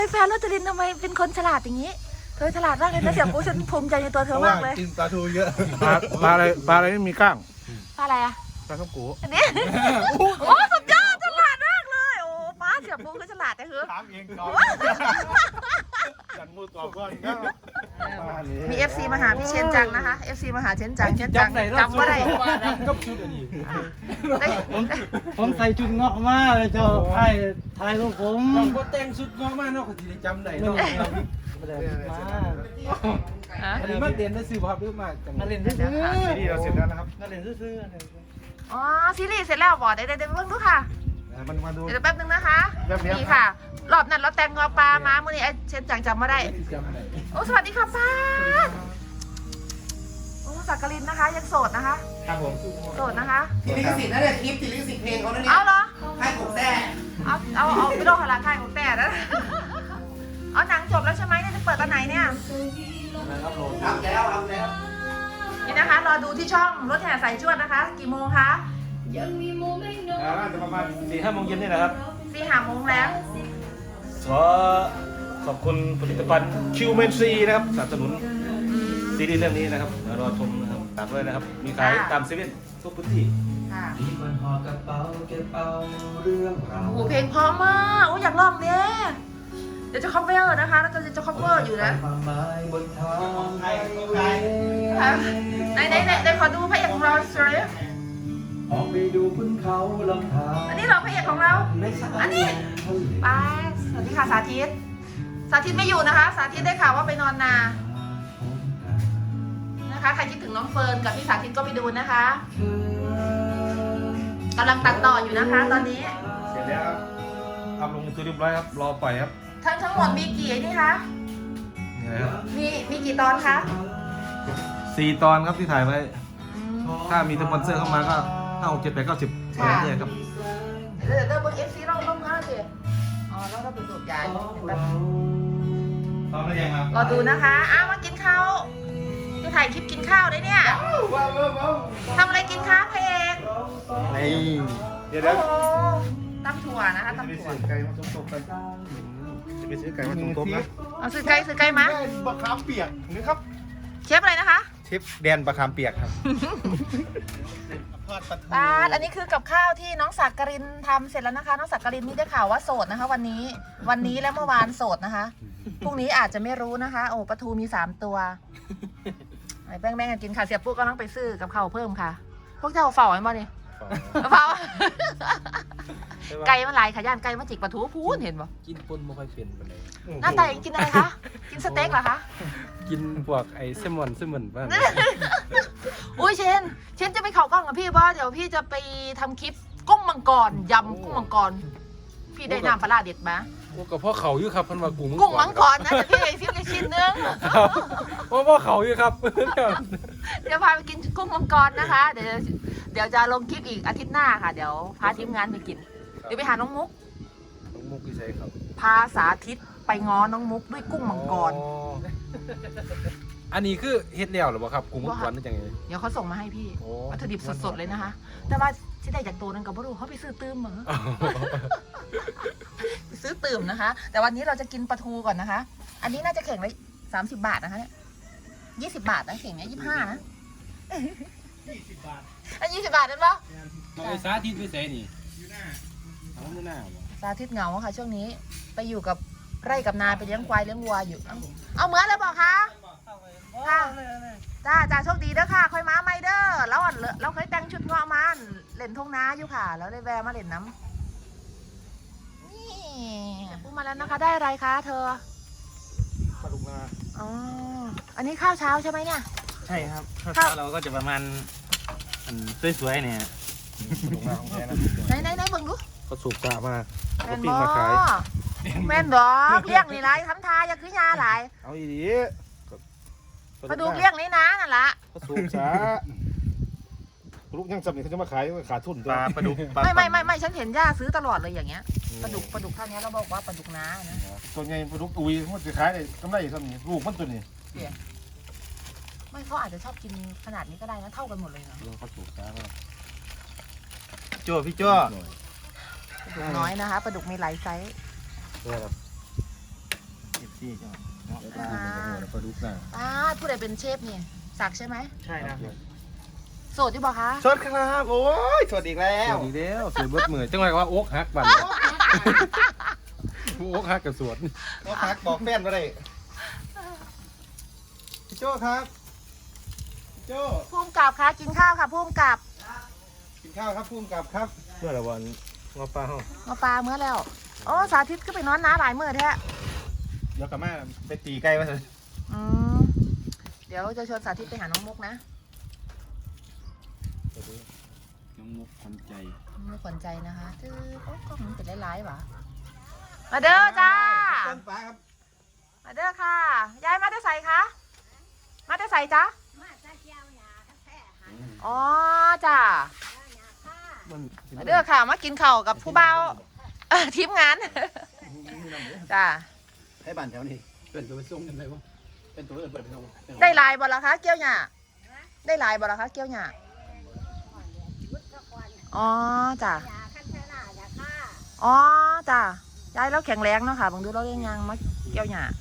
แฟนโรจรินทำไมเป็นคนฉลาดอย่างนี้เธอฉลาดมากเลยนะเสี่ยปูฉันภูมิใจในตัวเธอมากเลยกินปลาทูเยอะปลาอะไรไม่มีกล้างปลาอะไรอ่ะปลาท้องโกะอันนี้โอ้สุดยอดฉลาดมากเลยโอ้ป้าเสี่ยปูคือฉลาดแต่คือถามเองก่อนจันมูตอบก่อนมี FC มาหาพี่เชนจังนะคะ FC มาหาเชนจังจำว่าได้ก็ชุดอันนี้ผมใส่ชุดเงาะมาเลยเจ้าถ่ายรูปผมก็แต่งชุดงอมากเนาะคนที่จำได้เนาะอันนี้มาเรียนได้ซื้อภาพเยอะมากจังมาเล่นซื้อซีรีส์เราเสร็จแล้วนะครับมาเล่นซื้ออ๋อซีรีส์เสร็จแล้วบอกได้เบิ่งดูค่ะมันมาดูเดี๋ยวแป๊บนึงนะคะแบบนี้นี่ค่ะ รอบนั้นเราแต่งงอปลามาเมื่อนี้เชนจังจำมาได้โอ้สวัสดีค่ะป้าโอ้สักกลินนะคะยังโสดนะคะครับผมโสดนะคะติดลิขสิทธิ์นะเนี่ยคลิปติดลิขสิทธิ์เพลงเขาเนี่ยเอาเหรอให้ผมแท้เอาไม่ต้องหาราคาของแต่นะเอาหนังจบแล้วใช่ไหมเนี่ยจะเปิดตอนไหนเนี่ยทำแล้วนี่นะคะรอดูที่ช่องรถแห่สายจวดนะคะ กี่โมงคะน่าจะประมาณ4-5 โมงเย็นนี่แหละครับ 4-5 โมงแล้วขอบคุณผลิตภัณฑ์คิวเมนซีนะครับสนับสนุนซีรีส์เรื่องนี้นะครับรอชมนะครับตามด้วยนะครับมีขายตามเซเว่นทุกพื้นที่ค่ะมีคนหอกระเป๋าเก็บเอาเรื่องราวโอ้โหเพลงเพราะมากโอ้อยากร้องเนี่ยเดี๋ยวจะ cover นะคะแล้วก็จะ cover อยู่นะความหมายบนทางไทยไหนขอดูพระเอกของเราสิออกไปดูบนเขาลำธารอันนี้เหรอพระเอกของเรา อันนี้ป้าสวัสดีค่ะสาธิตไม่อยู่นะคะ สาธิตได้ข่าวว่าไปนอนนานะคะใครคิดถึงน้องเฟิร์นกับพี่สาธิตก็ไปดูนะคะกำลังตัดต่ออยู่นะคะ ตอนนี้เสร็จแล้วครับทำลงตัวเรียบร้อยครับรอปล่อยครับทั้งหมดมีกี่นี่คะนี่นะครับมีกี่ตอนคะ 4 ตอนครับที่ถ่ายไว้ถ้ามีสปอนเซอร์เข้ามาก็5 6 7 8 9 10อะไรเนี่ยครับเดี๋ยวเบิ้ง FC เราเมื่อสิอ๋อแล้วเราไปสูบยาแบบตอนนี้ยังครับรอดูนะคะอ้าวมากินข้าวจะถ่ายคลิปกินข้าวได้เนี่ยทำอะไรกินคะพระเอกเดี๋ยวโอ้โหตำถั่วนะคะตำถั่วไก่มาสมๆกันจะไปซื้อไก่มาสมๆนะเอาซื้อไก่มาบะขามเปียกนี่ครับเชฟอะไรนะคะเชฟแดนบะขามเปียกครับป้าดอันนี้คือกับข้าวที่น้องสักกรินทำเสร็จแล้วนะคะ น้องสักกรินนี่ได้ข่าวว่าโสดนะคะ วันนี้และเมื่อวานโสดนะคะพรุ่งนี้อาจจะไม่รู้นะคะ โอ้ปลาทูมี3 ตัวไอ้แป้งกันกินค่ะเสียปุ๊กก็ต้องไปซื้อกับข้าวเพิ่มค่ะ พวกเจ้าเฝ้าไอ้บ่นี่เฝ้าไก่มันหลายขยันไก่มาจิกปลาทูพูนเห็นบ่กินปนไม่ค่อยเป็นไปเลยหน้าตาอย่างกินอะไรคะกินสเต็กเหรอคะกินพวกไอ้เซมอนบ้างอุ้ยเชนจะไปเข่ากล้องกับพี่ป่ะเดี๋ยวพี่จะไปทำคลิปกุ้งมังกรยำกุ้งมังกรพี่ได้น้ำปลาร้าเด็ดไหมโอ้กับพ่อเขาอยู่ครับพันว่ากุ้งกุ้งมังกรนะแต่พี่ไอ้ซิมเลยชิ้นนึงพ่อเขาอยู่ครับเดี๋ยวพาไปกินกุ้งมังกรนะคะ เดี๋ยวจะลงคลิปอีกอาทิตย์หน้าค่ะ เดี๋ยวพาทีมงานไปกินเดี๋ยวไปหาน้องมุกน้องมุกพี่ใช่ครับพาสาธิตไปง้อน้องมุกด้วยกุ้งมังกรอันนี้คือเฮ็ดแล้วหรือเปล่าครับกุ้งมังกรนี่จังไงเดี๋ยวเขาส่งมาให้พี่โอ้วัตถุดิบสดๆเลยนะคะ แต่ว่าที่ได้จากตัวนั้นกับพ่อรู้เขาไปซื้อตื้มเหรอ ซื้อตื่มนะคะ แต่วันนี้เราจะกินปลาทูก่อนนะคะ อันนี้น่าจะเข่งละ30 บาทนะคะเนี่ย20 บาทนะเข่งเนี่ย25นะ20 บาทอัน20 บาทนั่นปะไอ้สาธิตไปใส่นี่อยู่หน้าสาธิตเหงาค่ะช่วงนี้ไปอยู่กับไร่กับนาไปเลี้ยงควายเลี้ยงวัวอยู่ เอาเหมือนเลยบอกคะค่ะจ้าโชคดีเด้อค่ะค่อยมาไม่เด้อแล้วเราเคยแต่งชุดเงาะมาเล่นทงนาอยู่ค่ะ แล้วได้แวะมาเล่นน้ำนี่พูดมาแล้วนะคะได้อะไรคะเธอปลาดุกนาอ๋ออันนี้ข้าวเช้าใช่ไหมเนี่ยใช่ครับข้าวเราก็จะประมาณสวยๆเนี่ยปลาดุกนาของแท้นะไหนเบิ่งดูเขาสูบกะมาแมเขานปิ้บงอมาขายแมนดอกเลี้ยงนี่ไรทำทาอย่าคือยาหลายเอาอีดีมาดูเลี้ยงนี่นะนั่นละเขาสูบช้าลูกยังสำเร็จเขาจะมาขายขาดทุนตัวปลาดุกไม่ฉันเห็นย่าซื้อตลอดเลยอย่างเงี้ยปลาดุกเท่านี้เราบอกว่าปลาดุกน้านะตัวใหญ่ปลาดุกอุยมันจะขายได้กำไรเท่านี้ลูกมันตัวนี้ไม่เขาอาจจะชอบกินขนาดนี้ก็ได้นะเท่ากันหมดเลยเนาะเขาสูบช้าแล้วโจ้พี่โจ้ปลาดุกน้อยนะคะปลาดุกมีหลายไซส์ซี่จ้ะปลาดุกน่ะผู้ใดเป็นเชฟนี่ศักดิ์ใช่ไหมใช่นะโสดที่บอกคะสวัสดีครับโอ้ยสวัสดีแล้สววัสดีแล้วสวยเบิดมือจังไงว่าโอ๊กฮักบันโอ๊กฮักกับสวนก็พักบอกแฟนมาได้พี่โจ้ครับพี่โจ้พุ่มกับคะกินข้าวค่ะพุ่มกับกินข้าวครับพุ่มกับครับเมื่อไรวันงอปลาห้องมาปลาเมื่อแล้วโอ้สาธิตก็ไปนอนน้าหลายมื้อแท้เดี๋ยวกลับมาไปตีไก่มาเลยอืมเดี๋ยวจะชวนสาธิตไปหาน้องมุกนะน้องมุกคนใจไม่ขวัญใจนะคะจื้อโอ้กล้องมันเป็นหลายๆหวะมาเด้อจ้าต้นฟ้าครับมาเด้อค่ะ ยายมาได้ใส่คะมาได้ใส่จ้ะอ๋อจ้ามันมาเด้อค่ะ มากินข้าวกับผู้เบาทีมงานจ้าให้บ้านแถวนี้เป็นตัวไปส่งกันเลยวะเป็นตัวเปิดไปส่งได้ลายบ่ละคะเกี้ยวหยาได้ลายบ่ละคะเกี้ยวหยาอ๋อจ้าอ๋อจ้ายายแล้วแข็งแรงเนาะค่ะบางดูเราเรียงยังมาเกี้ยวหยา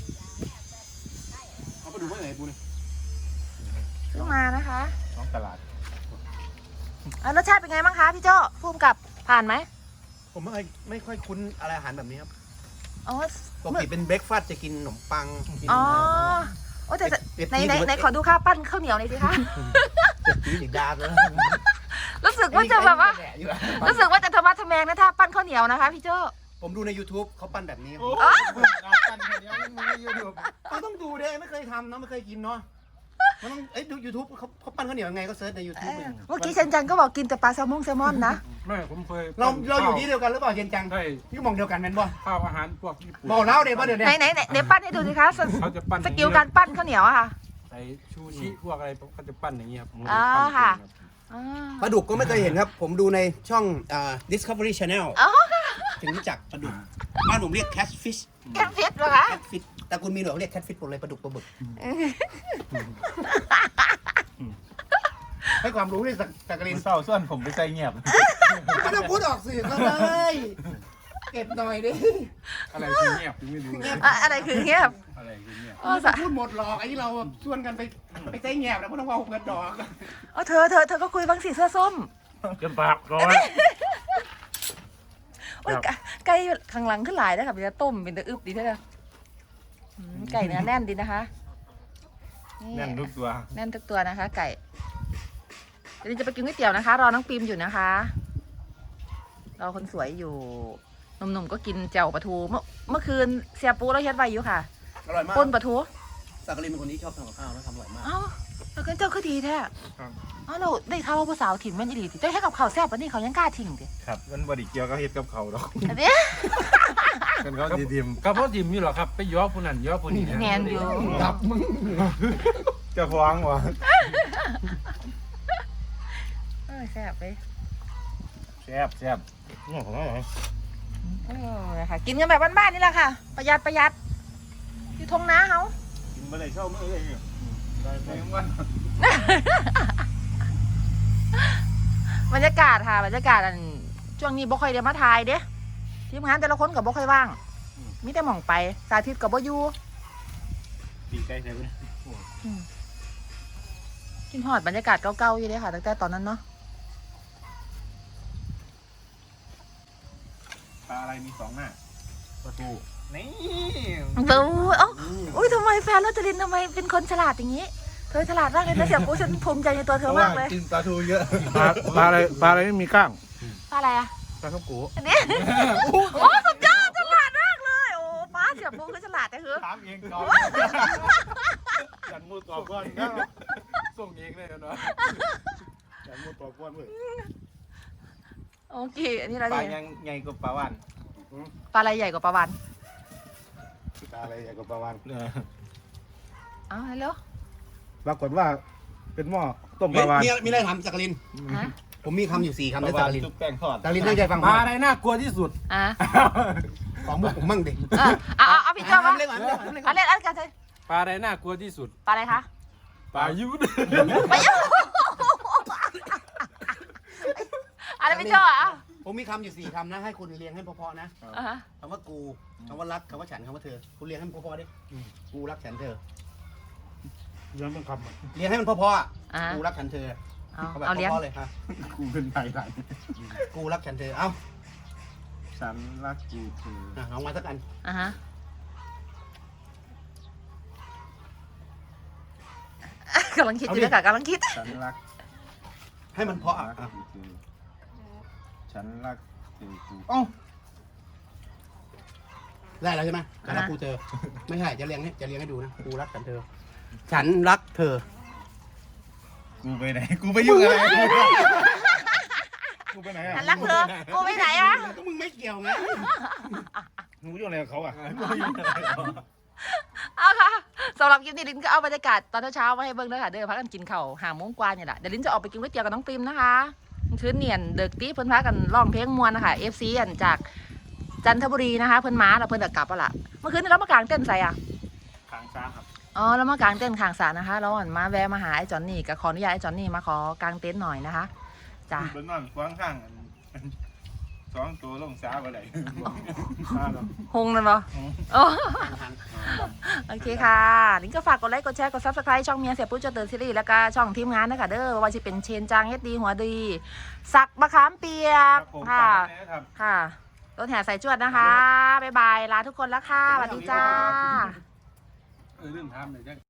เอาไปดูว่าไหนปูนี่ซื้อมานะคะน้องตลาดรสชาติเป็นไงบ้างคะพี่โจ้ภูมิกับผ่านไหมผมไม่ค่อยคุ้นอะไรอาหารแบบนี้ครับอ๋อปกติเป็นเบรกฟาสต์จะกินขนมปังกินอ๋อโอ้แต่เอ็ดไหนขอดูข้าวปั้นข้าวเหนียวหน่อยสิคะตีอีกดาบแล้วรู้สึกว่าจะแบบว่า รู้สึกว่าจะธรรมะทแมงนะถ้าปั้นข้าวเหนียวนะคะพี่โจ้ผมดูใน YouTube เขาปั้นแบบนี้อ๋อปั้นคนเดียวมึงใน YouTube เขาต้องดูดิไม่เคยทำเนาะไม่เคยกินเนาะมันต้องดู YouTube เขาปั้นข้าวเหนียวยังไงก็เซิร์ชใน YouTube เลยเมื่อกี้เชนจังก็บอกกินแต่ปลาแซลมอนนะไม่ผมเคยเราอยู่ที่เดียวกันหรือเปล่าเย็นจังใช่พี่มองเดียวกันแม่นบ่ข้าวอาหารพวกญี่ปุ่นบอกเล่าเดี๋ยวว่าเดี๋ยวไหนนี้ไหนปั้นให้ดูสิคะสเขาจะปั้นสกิลการปั้นข้าวเหนียวอะค่ะใส่ชูชิพวกอะไรเขาจะปั้นอย่างเงี้ยครับอ๋อค่ะ อ๋อปลาดุกก็ไม่เคยเห็นครับ ผมดูในช่อง Discovery Channel อ๋อถึงรู้จักปลาดุกบ้านผมเรียก catfish แค่ฟิตเหรอคะ catfish แต่คุณมีหนวดเรียก catfish ผมเลยปลาดุกปลาบึกให้ความรู้ด้วยสักกรินเศร้าส่วนผมไปใส่เงียบไม่ต้องพูดออกสื่อเขาเลยเก็บหน่อยดิอะไรคือเงียบไม่รู้อะไรคือเงียบอะไรคือเงียบอ๋อสะพูดหมดหรอกไอ้ที่เราชวนกันไปใช้แงบแล้วพวกน้องเอาเงินดอกอ๋อเธอก็คุยบางสีเสื้อส้มเกินปากร้อยโอ้ยไก่ข้างหลังขึ้นหลายนะครับจะต้มเป็นตะอึบดีเท่าไหร่ไก่เนื้อแน่นดีนะคะแน่นทุกตัวแน่นทุกตัวนะคะ ไก่เดี๋ยวจะไปกินก๋วยเตี๋ยวนะคะ รอน้องปิมอยู่นะคะรอคนสวยอยู่หนุ่มๆก็กินแจ่วปลาทูเมื่อคืนเสียปูแล้วเฮ็ดไว้อยู่ค่ะอร่อยมากปนปลาทูสักกรินเป็นคนที่ชอบทำกับข้าวแล้วทำอร่อยมากเอ้าแล้วกันเจ้าคือดีแท้เอ้าเราได้ข่าวว่าผู้สาวถิ่มแม่นอีหลีติเจ้าให้กับข้าวแซ่บปะนี่เขายังกล้าทิ้งดิครับมันบริเกียวก็เฮ็ดกับเขาดอกอันนี้กันเขาดีมก็เพราะดิมนี่หรอครับไปย้อผู้นั้นย้อผู้นี้แมนอยู่ดับมึงจะฟ้องวะแซ่บไปแซ่บแซ่บนี่ของอะไรนะคะกินกันแบบบ้านๆนี่แหละค่ะ ประหยัดอยู่ทงนาเขากินมาเลยเช่าเมื่อไหร่ได้ไปวันบรรยากาศค่ะบรรยากาศอันช่วงนี้บ่ค่อยเดี๋ยวมาถ่ายเด้ทีมงานแต่ละคนกับบ่ค่อยว่างมีแต่หม่องไปสาธิตกับบ่อยู่ตีไก่ใช่ไหมกินฮอดบรรยากาศเก่าๆอยู่เด้ค่ะตั้งแต่ตอนนั้นเนาะปลาอะไรมีสองหน้าปลาทูนี่ดูเอ้าอุ้ยทำไมแฟนเราจรินทำไมเป็นคนฉลาดอย่างนี้เธอฉลาดมากเลยนะเสี่ยปูฉันภูมิใจในตัวเธอมากเลยกินปลาทูเยอะปลาอะไรไม่มีกล้างปลาอะไรอะปลาข้าวกูอันนี้โอ้สุดยอดฉลาดมากเลยโอ้ป้าเสี่ยปูคือฉลาดแต่คือถามเองก่อนจันมูตอบก่อนก็ส่งเองเลยเนาะจันมูตอบก่อนเว้ยโอเคอันนี้เราปลาเนี่ยยังใหญ่กว่าปลาวันปลาอะไรใหญ่กว่าปลาวันปลาอะไรใหญ่กว่าปลาวันเอาฮัลโหลปรากฏว่าเป็นหม้อต้มปลาวันมีอะไรทำสักกรินฮะผมมีคำอยู่4คำในปสัลากกรินชุบแป้งทอดสักกรินตั้งใจฟังปลาอะไรน่ากลัวที่สุดอ่ะของมุกผมมั่งดิเอาพี่เจ้ามาเล่นก่อนอันเล่นอันกันเลยปลาอะไรน่ากลัวที่สุดปลาอะไรคะปลายุทธไปยังอะไรพี่เจ้าอ่ะมผมมีคำอยู่4คำนะให้คุณเรียงให้เพราะๆนะอ่าฮะคำว่ากูคำว่ารักคำว่าฉันคำว่าเธอคุณเรียงให้มันเพราะๆดิกูรักฉันเธอย้อนเป็นคำเรียงให้มันเพราะๆอ่ะอ่ากูรักฉันเธอเอาแบบเอาเลี้ยงเพราะๆเลยฮะกูเป็นไทยไหนกูรักฉันเธอเอ้าฉันรักกูเธอลองมาสักอันอ่าฮะกำลังคิดอยู่เลยค่ะกำลังคิดฉันรักให้มันเพราะอ่ะอ่ะฉันรักเธอกูเอ้าได้แล้วใช่ไหมฉันรักกูเธอไม่ใช่จะเรียงให้ดูนะกูรักฉันเธอ ฉันรักเธอกูไปไหนกูไปยุ่งอะไรกูไปไหนอ่ะฉันรักเธอ กูไปไหนวะก็มึงไม่เกี่ยวไงมึงไปยุ่งอะไรกับเขาอ่ะเอาค่ะสำหรับคลิปนี้ลินก็เอาบรรยากาศตอนเช้าๆมาให้เบิ่งด้วยค่ะเด้อพักกันกินข้าว5 โมงกว่าเนี่ยแหละเดี๋ยวลินจะออกไปกินก๋วยเตี๋ยวกับน้องปิมนะคะคืนเนียนเด็กตีเพิ่นพากันร้องเพลงมวนนะคะ FC อันจากจันทบุรีนะคะเพิ่นมาแล้วเพิ่นจะกลับแล้วล่ะเมื่อคืนนี้เรามากางเต้นใส่อ่ะขางซ้าครับอ๋อแล้วมากางเต้นข้างศาลนะคะเราอ่อนมาแวะมาหาไอ้จอนนี่ก็ขออนุญาตไอ้จอนนี่มาขอกางเต็นท์หน่อยนะคะจ้ะบนนอนควางข้างสองตัวลงซ้าไปไหนฮงเลยปะโอโอเคค่ะลิงก็ฝากกดไลค์กดแชร์กด Subscribe ช่องเมียเสียปุ๊บเจเตอร์ซีรีส์แล้วก็ช่องทีมงานนะคะเด้อว่าจะเป็นเชนจางเฮ็ดดีหัวดีสักมะขามเปียกค่ะค่ะรถแห่ใส่จวดนะคะบ๊ายบายลาทุกคนแล้วค่ะสวัสดีจ้าเรื่องทำเลยจ้ะ